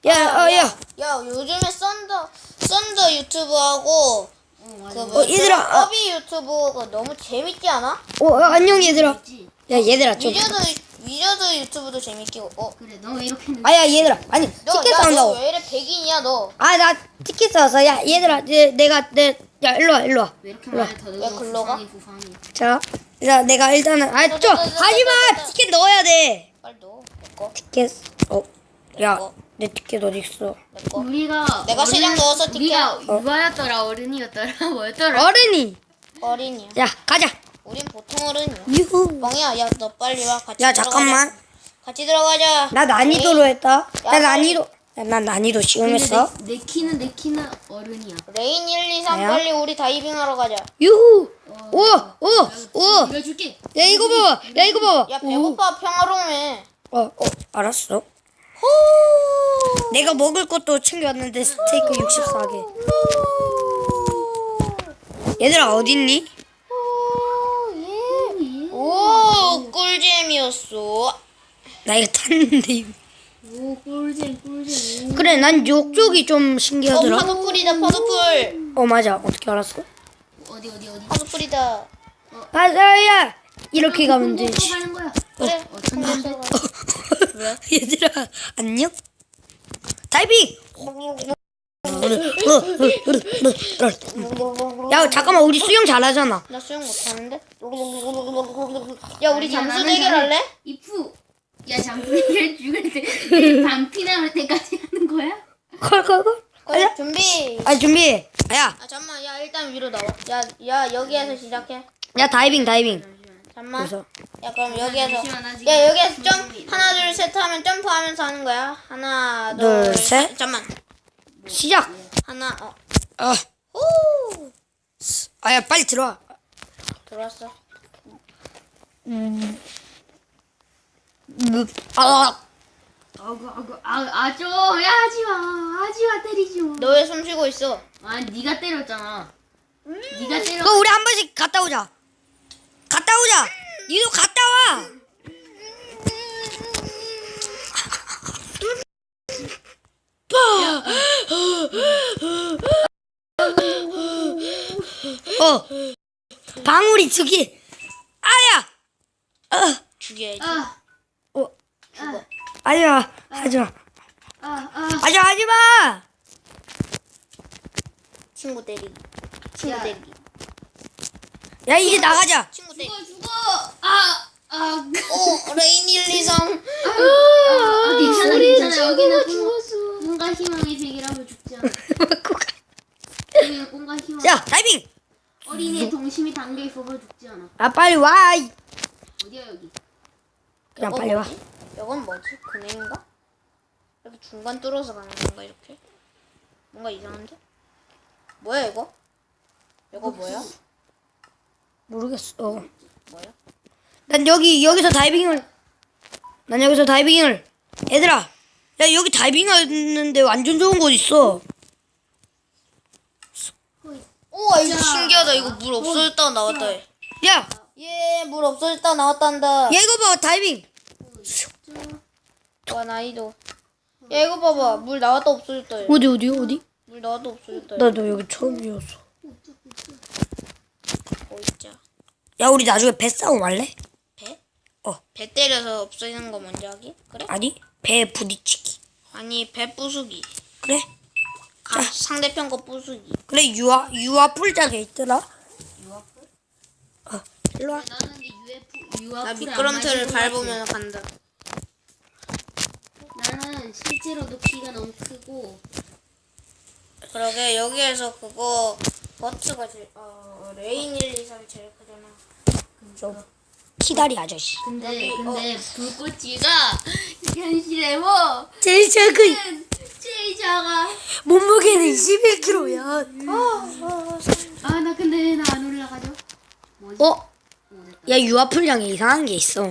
야, 요즘에 썬더 유튜브하고 얘들아. 허비 유튜브가 너무 재밌지 않아? 안녕 얘들아. 야 얘들아 좀. 위저드 유튜브도 재밌고. 그래 너 왜 이렇게 아야 얘들아. 아니 티켓 너 사온다고. 왜 이래 백인이야 너? 나 티켓 사왔어. 야 얘들아 야 일로 와. 왜 이렇게 많이 더 왜 넣어? 글로 가? 부상이. 자 내가 일단은 좀 하지마. 티켓 넣어야 돼. 빨리 넣어. 내 거. 티켓. 야 내 티켓 어디 있어? 내 거. 우리가 내가 세장 넣어서 티켓. 우리가 유아였더라 어른이었더라 뭐였더라? 어른이. 어린이야. 야 가자. 우린 보통 어른이야. 유후. 뻥이야. 야, 너 빨리 와. 같이 야 들어가자. 잠깐만. 같이 들어가자. 나 난이도로 했다. 야, 나 난이도. 난 난이도 쉬움 했어. 내 키는 어른이야. 레인 1, 2, 3 뭐야? 빨리 우리 다이빙하러 가자. 유후. 오. 내가 줄게. 야 이거 봐봐. 야 이거 봐봐. 야, 배고파. 평화로움해. 알았어. 내가 먹을 것도 챙겨왔는데 스테이크 64개. 얘들아 어딨니? 오, 꿀잼이었어. 나 이거 탔는데. 오 꿀잼. 그래 난 요쪽이 좀 신기하더라. 파도풀이다, 파도풀. 맞아. 어떻게 알았어? 어디. 파도풀이다. 맞아야. 이렇게 가면 돼. 또 가는 거야. 그래. 천천히. 왜? 얘들아 안녕. 다이빙. 야 잠깐만 우리 수영 잘하잖아. 나 수영 못하는데? 야, 우리 잠수 나는 대결할래? 이프. 야 장군이를 죽을 때 반피 나올 때까지 하는 거야? 콜. 그래, 준비. 준비. 야 잠깐만. 야, 일단 위로 나와. 야, 여기에서 시작해. 다이빙. 잠깐만. 그래서 야, 그럼 여기에서. 잠시만, 나 지금 야, 여기에서 준비. 하나, 둘, 셋 하면 점프하면서 하는 거야. 하나, 둘, 둘, 셋. 잠깐만. 시작. 하나, 후! 야 빨리 들어와. 들어왔어. 아주 야 하지마 때리지 마. 너 왜 숨 쉬고 있어? 네가 때렸잖아. 네가 때려. 그럼 우리 한 번씩 갔다 오자. 니도 갔다 와. 방울이 저기. 아야. 죽여야지. 아, 아니야. 하지마. 하지마. 친구 때리기. 야. 야 이제 나가자. 친구 때리기. 죽어. 오, 레인 1, 2, 3. 괜찮아. 여기는 꿈과 희망의 세계라고 죽지 않아. 여기는 꿈과 희망. 야 다이빙. 어린이의 동심이 담겨 있어서 죽지 않아. 빨리 와. 어디야 여기? 그냥 이거 빨리 와. 뭐지? 이건 뭐지? 금액인가? 이렇게 중간 뚫어서 가는 건가 이렇게? 뭔가 이상한데? 뭐야 이거? 이거 뭐야? 모르겠어. 뭐야? 난 여기서 다이빙을. 얘들아. 야 여기 다이빙하는데 완전 좋은 곳 있어. 우와, 이거 신기하다. 이거 물 없어졌다가 나왔다. 야. 물 없어졌다가 나왔단다. 야 이거 봐 다이빙. 와, 나이도. 야, 이거 봐봐. 물 나왔다 없어졌다. 어디? 물 나왔다 없어졌다. 나 여기 처음이었어. 있자. 야 우리 나중에 배 싸움 할래? 배? 배 때려서 없어지는 거 먼저 하기? 그래? 아니 배 부딪히기. 아니, 배 부수기. 그래? 상대편 거 부수기. 그래 유아 풀장에 있더라. 일로 와. 나는 유아 나 미끄럼틀을 밟으면 간다. 나는 실제로도 키가 너무 크고 그러게, 여기에서 그거 버츠가 제일 레인 1, 2, 3이 제일 크잖아. 좀 키다리 아저씨. 근데 불꽃이가 현실에 뭐 제일 작은 제일 작아. 몸무게는 21kg야. 나 근데 나 안 올라가죠? 뭐지? 야 유아 풀장에 이상한 게 있어.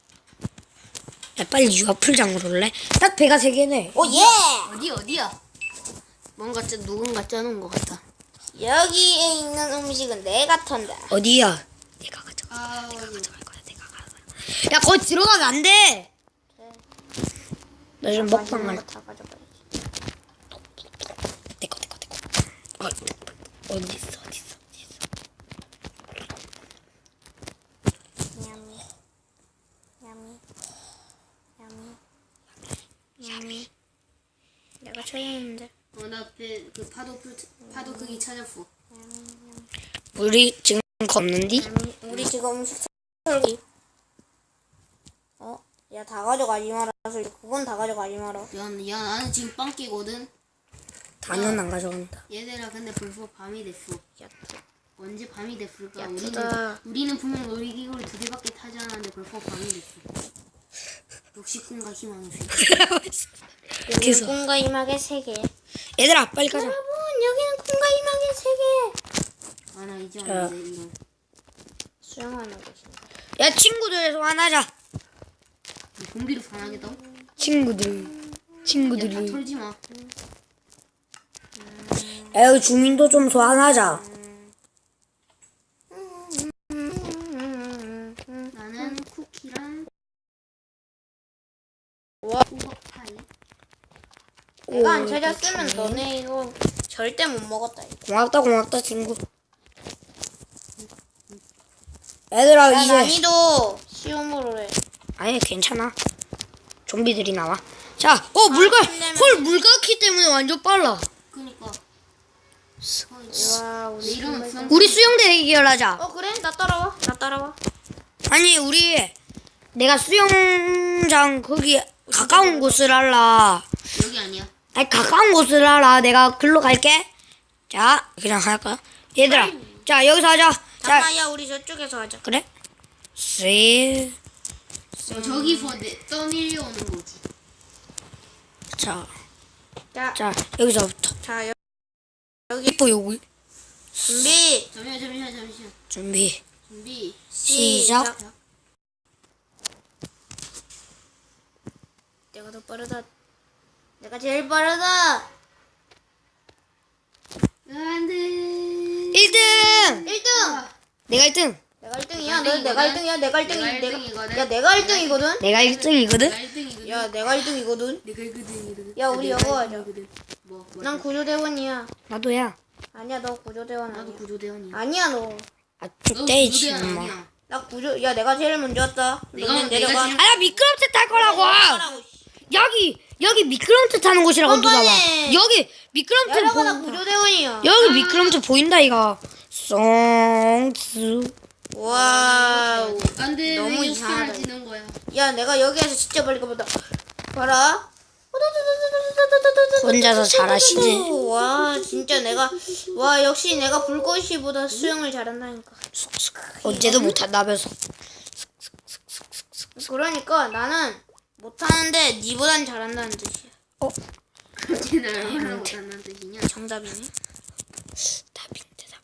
야 빨리 유아 풀장으로 올래? 딱 배가 3개네. 오, 예! 어디야? 뭔가 누군가 짜놓은 것 같아. 여기에 있는 음식은 내가 턴다. 어디야? 내가 가져갈 거야. 야 거기 들어가면 안 돼. 나 지금 먹방 할. 다 가져가야지. 어디 있어? 야미. 야미. 야미. 야미. 내가 쳐야했는데. 나 그 파도 크기 찾았어. 우리 지금 없는디? 야미. 우리 지금 숙소 털기. 야, 다 가져가지 마라. 그건 다 가져가지 마라. 야, 나는 지금 빵 끼거든. 단은 안 가져간다. 얘들아, 근데 벌써 밤이 됐어. 야, 언제 밤이 됐을까? 야, 우리는 투다. 우리는 분명 놀이기구를 2개밖에 타지 않았는데 벌써 밤이 됐어. 역시 꿈과 희망의 세계. 계속. 꿈과 희망의 세계. 얘들아 빨리 가자. 여러분, 여기는 꿈과 희망의 세계. 아, 나 이제 자. 알았네 이거. 수영하는 곳인가? 야 친구들 소환하자. 좀비로 반하겠다고? 친구들. 야, 다 털지 마. 야 주민도 좀 소환하자. 나는 쿠키랑 와. 호박 파이. 내가 안 찾았으면 너네 이거 절대 못 먹었다. 이거. 고맙다 친구. 얘들아 야, 이제 난이도 쉬움으로 해. 아니 괜찮아. 좀비들이 나와. 자, 물가 힘내면- 헐 물가기 때문에 완전 빨라. 그니까. 와, 내 우리 이름은 수영. 우리 수영 대결하자. 그래? 나 따라와. 나 따라와. 아니 우리 내가 수영장 거기 가까운 곳을 알라. 여기 아니야. 아니 가까운 곳을 알아. 내가 글로 갈게. 자 그냥 할까? 얘들아, 자 여기서 하자. 자 잠깐만, 야, 우리 저쪽에서 하자. 그래? 셋. 저기서 떠밀려오는 거지. 자, 자, 자 여기서부터. 자, 여기 이뻐 여기. 준비. 잠시만. 준비. 준비. 시작. 내가 더 빠르다. 내가 제일 빠르다. 안 돼. 1등. 1등. 내가 1등. 내가 1등이야. 너 내가 1등이야. 내가 1등이. 내가 내가 1등이거든. 야, 내가 1등이거든. 내가 1등이거든. 내가 1등이거든. 야, 내가 1등이거든. 내가 1등이거든. 야, 우리 이거 하자. 뭐? 난 구조대원이야. 나도야. 아니야, 너 구조대원 나도 아니야. 구조대원이야. 아니야, 너. 아 너 죽대 구조대원 지금. 아니야. 나 야, 내가 제일 먼저 왔다. 너는 내려가. 제일- 아야 미끄럼틀 탈 거라고. 여기 미끄럼틀 타는 곳이라고 누가 봐. 뻔뻔해. 여기 미끄럼틀 내려가, 나 보인다. 구조대원이야. 여기 미끄럼틀 보인다 이거. 쏭스. 와우. 안 돼. 너무 왜 이상하다. 역사를 지는 거야? 야, 내가 여기에서 진짜 멀리 가보다. 봐라. 혼자서 잘하시네. 와, 진짜 내가. 와, 역시 내가 불꽃이보다 수영을 잘한다니까. 언제도 못한다면서. 그러니까 나는 못하는데 니보단 잘한다는 뜻이야. 어째 나를 얼마나 못한다는 뜻이냐? 정답이네. 답인데.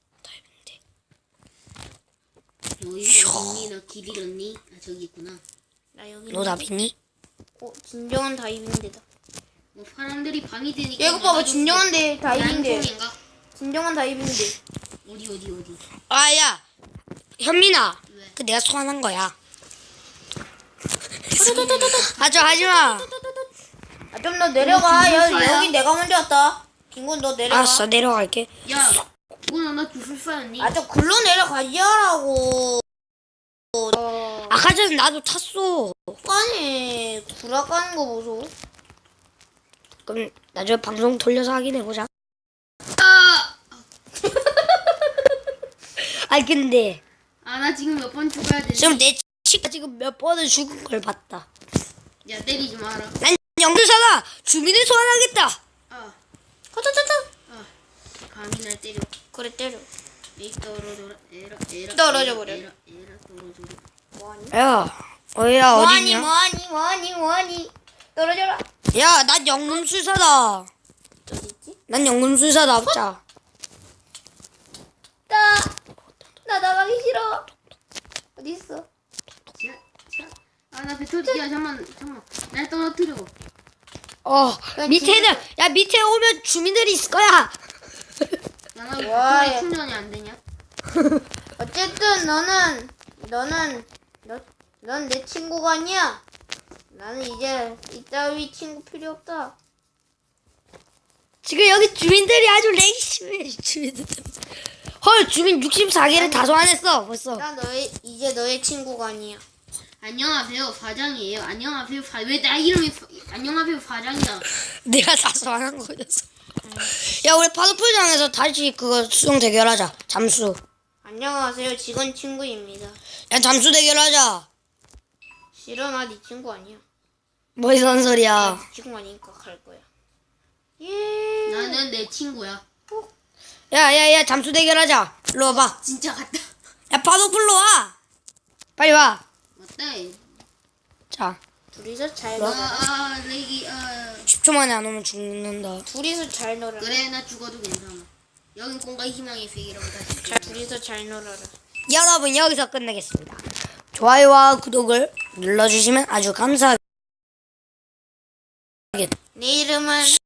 너희 어딨니? 너 길 잃었니? 아 저기 있구나. 나 여기. 너 답이니? 진정한 다이빙대다. 뭐 사람들이 밤이 되니까. 야, 이거 봐봐, 진정한 다이빙대. 난통인가? 진정한 다이빙대. 어디? 아야 현민아. 왜? 그 내가 소환한 거야. 하지마. 아, 좀 더 내려가. 야, 기술사야? 여기 내가 먼저 왔다. 김군, 너 내려가. 알았어 내려갈게. 야, 그거는 나 기술사였니? 아, 저 글로 내려가지 하라고. 아까 전에 나도 탔어. 아니, 구라 까는 거 보소. 그럼 나중에 방송 돌려서 확인해보자. 아, 아니 근데 나 지금 몇 번 죽어야 되지? 지금 내 친구가 지금 몇 번을 죽은 걸 봤다. 야, 때리지 마라. 난 영주사다. 주민을 소환하겠다. 아, 허허허허. 감히 날 때려. 그래, 때려. 에이, 떨어져라. 에라. 떨어져 버려. 에라, 떨어져라. 뭐하니? 야 어디냐? 뭐하니? 떨어져라. 야, 난 영금술사다. 어디 있지? 난 영금술사다. 자, 나 나가기 싫어. 어디 있어? 나 배터리, 야, 잠깐만. 날 떨어뜨려. 밑에는 야 밑에 오면 주민들이 있을 거야. 나 왜 와, 배터리 야. 충전이 안 되냐? 어쨌든 넌 내 친구가 아니야. 나는 이제 이따위 친구 필요 없다. 지금 여기 주민들이 아주 레이심해 주민들. 헐 주민 64개를 다 소환했어 벌써. 나 이제 너의 친구가 아니야. 안녕하세요 과장이에요. 안녕하세요 왜 나 이름이 안녕하세요 과장이야. 내가 다 소환한 거였어. 야 우리 파도풀장에서 다시 그거 수영 대결하자. 잠수. 안녕하세요. 직원 친구입니다. 야 잠수 대결하자. 싫어, 나 네 친구 아니야. 뭐 이런 소리야. 네 친구 아니니까 갈 거야. 예. 나는 내 친구야. 야야야 잠수 대결하자. 일로 와봐. 진짜 같다. 야 파도풀로 와. 빨리 와. 어때? 자 둘이서 잘 뭐? 놀아. 레기 10초 만에 안 오면 죽는다. 둘이서 잘 놀아. 그래 나 죽어도 괜찮아. 여긴 공과 희망의 세계라고 다시. 둘이서 잘 놀아라. 여러분 여기서 끝내겠습니다. 좋아요와 구독을 눌러주시면 아주 감사하겠습니다. 내 이름은